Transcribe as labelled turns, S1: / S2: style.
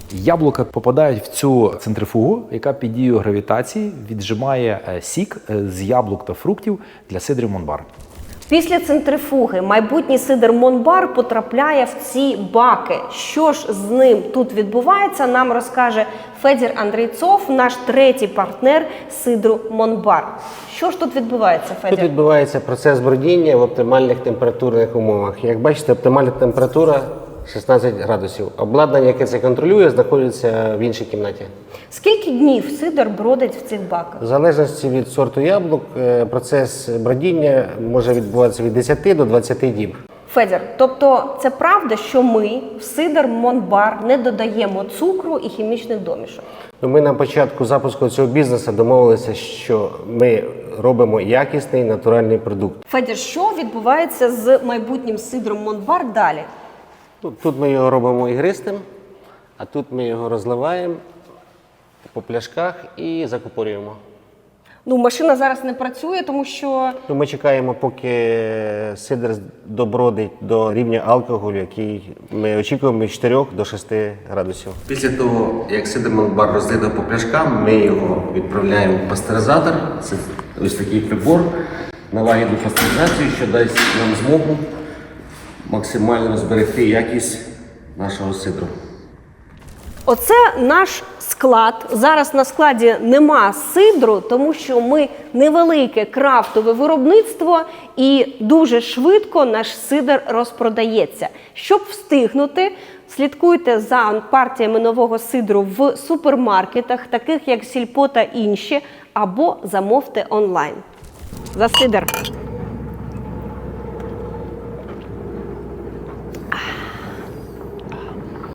S1: Яблука попадають в цю центрифугу, яка під дією гравітації віджимає сік з яблук та фруктів для сидрів Монбар.
S2: Після центрифуги майбутній сидр Монбар потрапляє в ці баки. Що ж з ним тут відбувається, нам розкаже Федір Андрійцов, наш третій партнер сидру Монбар. Що ж тут відбувається, Федір?
S3: Тут відбувається процес бродіння в оптимальних температурних умовах. Як бачите, оптимальна температура 16 градусів. Обладнання, яке це контролює, знаходиться в іншій кімнаті.
S2: Скільки днів сидр бродить в цих баках?
S3: В залежності від сорту яблук, процес бродіння може відбуватися від 10 до 20 діб.
S2: Федір, тобто це правда, що ми в сидр Монбар не додаємо цукру і хімічних домішок?
S3: Ми на початку запуску цього бізнесу домовилися, що ми робимо якісний натуральний продукт.
S2: Федір, що відбувається з майбутнім сидром Монбар далі?
S3: Тут ми його робимо ігристим, а тут ми його розливаємо по пляшках і закупорюємо.
S2: Ну, машина зараз не працює, тому що...
S3: Ми чекаємо, поки сидр добродить до рівня алкоголю, який ми очікуємо від 4 до 6 градусів. Після того, як сидр Монбар розлито по пляшкам, ми його відправляємо в пастеризатор. Це ось такий прибор на лагідну пастеризацію, що дасть нам змогу максимально зберегти якість нашого сидру.
S2: Оце наш склад. Зараз на складі нема сидру, тому що ми невелике крафтове виробництво і дуже швидко наш сидр розпродається. Щоб встигнути, слідкуйте за партіями нового сидру в супермаркетах, таких як Сільпо та інші, або замовте онлайн. За сидр!